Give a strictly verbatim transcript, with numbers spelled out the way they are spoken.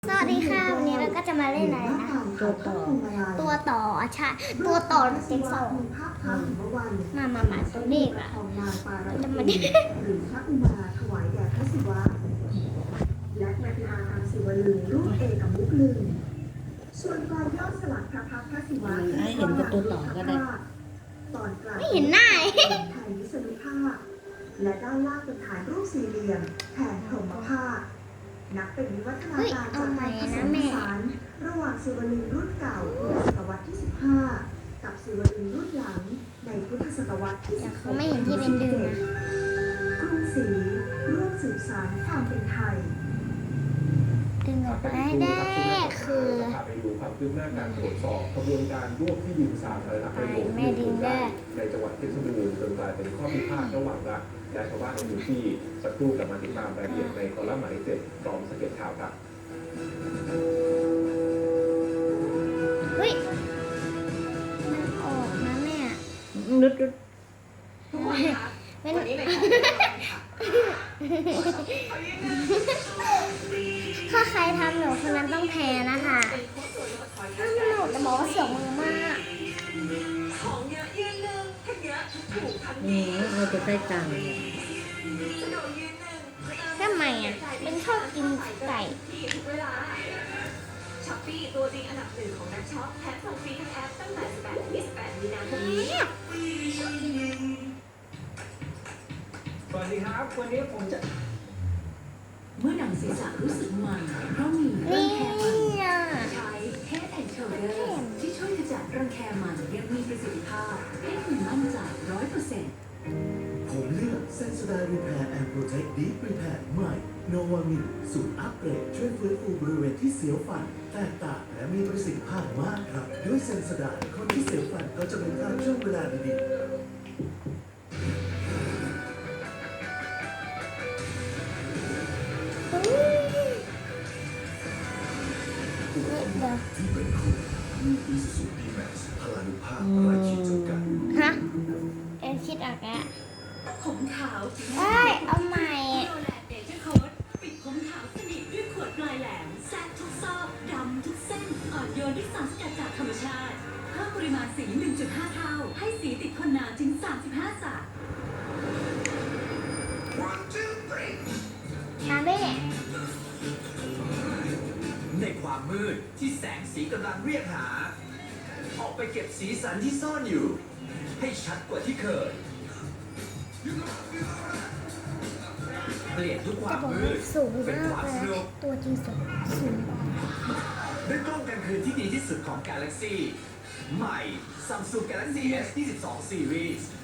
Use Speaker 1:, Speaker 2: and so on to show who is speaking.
Speaker 1: สวัสดีค่ะวันนี้เราก็จะมาเล่นอะไรนะ
Speaker 2: ตัวต่อ
Speaker 1: ตัวต่อใช่ตัวต่อเจ็กสองมามามาตัวเลขอะจะมาดิ
Speaker 2: หรือพระอุมาถวายแด่พระศิวะและปฏิมาทางศิวลึงรูปเอกมุกลึงส่วนกรย่อสลักพระพักตร์พระศิวะ
Speaker 3: ให้เห็นกับตัวต่อก็ได้
Speaker 2: ตอนกลาง
Speaker 1: ไม่เห็นหน้า
Speaker 2: ไทยวิษณุภาคและด้านล่างเป็นฐานรูปสี่เหลี่ยมแทนพรหมภาคนับเป็นวิวัฒนาการจากการผสมผสานระหว่างศิวลึงรุ่นเก่าพุทธศตวรรษที่สิบห้ากับศิวลึงรุ่นหลังในพุทธศตวรรษที่สิบห
Speaker 1: เขา
Speaker 2: ก
Speaker 1: ไม่เห็นที่เป็นดึงนะ
Speaker 2: กรุงศรีร่วมสืบสานความเป็นไทย
Speaker 1: ดึงออกมาให้ได้คือ
Speaker 4: ไปดูความคืบหน้าการตรวจสอบกระบวนการร่วมที่ดินสาธารณประโยชน์ในจังหวัดเพชรบูรณ์จนกลายเป็นข้อพิพาทระหว่างรัฐและชาวบ้านในพื้นที่สักครู่กับมาติดตามรายละเอียดในคอลัมน์หมายเลขเจ็ดพร้อมสเก็ตข่าวครับ
Speaker 1: เฮ้ยมันออกนะแม่
Speaker 3: นึด
Speaker 1: เป็นถ้าใครทำหนูคนนั้นต้องแพ้นะคะถ้าหนูจะบอกว่าเสียวมือมาก
Speaker 3: นี่เราจะได้ตังค์
Speaker 1: ทำไมอ่ะเป็นชอบกินไก่
Speaker 5: ช้อปปี้ตัวจริงอันดับหนึ่งของนักช็อปแถมส่งฟรีทั้งแอปตั้งแต่สิบแปดถึงยี่สิบแปดมีนาคมนี้
Speaker 4: สวัสดีครับวันนี้ผมจะ
Speaker 5: เมื่อหนังศีรษะรู้สึกมันเพราะมีรั
Speaker 1: นี่
Speaker 5: งแคมัน
Speaker 1: อ่ะ
Speaker 5: ใช้เฮดแอนด์โชเดอร์ที่ช่วยขจัดรังแคมันยังมีประสิทธิภาพให้คุณมั่นใจร้อยเปอร์เซ็นต์
Speaker 6: ผมเลือกเซนสไดรีแพร์แอนด์โปรเทคดีฟรีแพร์ใหม่โนวามินสูตรอัปเกรดช่วยฟื้นฟูบริเวณที่เสียวฟันแตกต่างและมีประสิทธิภาพมากครับ ด้วยเซนสไดคนที่เสียวฟันก็จะเป็นการช่วงเวลาดีๆ
Speaker 1: เดี๋ยว
Speaker 6: ที่เป็นคุณมีอีซูซูดีแม็กซ์พลานุภาพไร้ขีดจำกัด
Speaker 1: ฮะเอ็นคิดออกแล้ว
Speaker 5: ผมขาวถึง
Speaker 1: เอ้ยเอาใหม่
Speaker 5: โนแลนเนเจอร์โค้ดปิดผมขาวสนิทด้วยขวดปลายแหลมแซกทุกซอกดำทุกเส้นอ่อนโยนด้วยสารสกัดจากธรรมชาติเพิ่มปริมาณสี หนึ่งจุดห้า เท่าให้สีติดทนนานถึงสามสิบห้าสา
Speaker 1: มาเบ้
Speaker 7: ในความมืดที่แสงสีกำลังเรียกหา ออกไปเก็บสีสันที่ซ่อนอยู่ ให้ชัดกว่าที่เคย เปลี่ยนทุกค
Speaker 1: จะ
Speaker 7: วาม
Speaker 1: บอก
Speaker 7: มื
Speaker 1: ว่า
Speaker 7: ด
Speaker 1: สูง
Speaker 7: เป็น
Speaker 1: มา
Speaker 7: ค
Speaker 1: ก
Speaker 7: วาม
Speaker 1: เล
Speaker 7: ส
Speaker 1: ย
Speaker 7: นุก
Speaker 1: ตัวจริงสูงสูง
Speaker 7: ด้วยกล้องกลางคืนที่ดีที่สุดของ Galaxy ใหม่ Samsung Galaxy เอส ยี่สิบสอง Series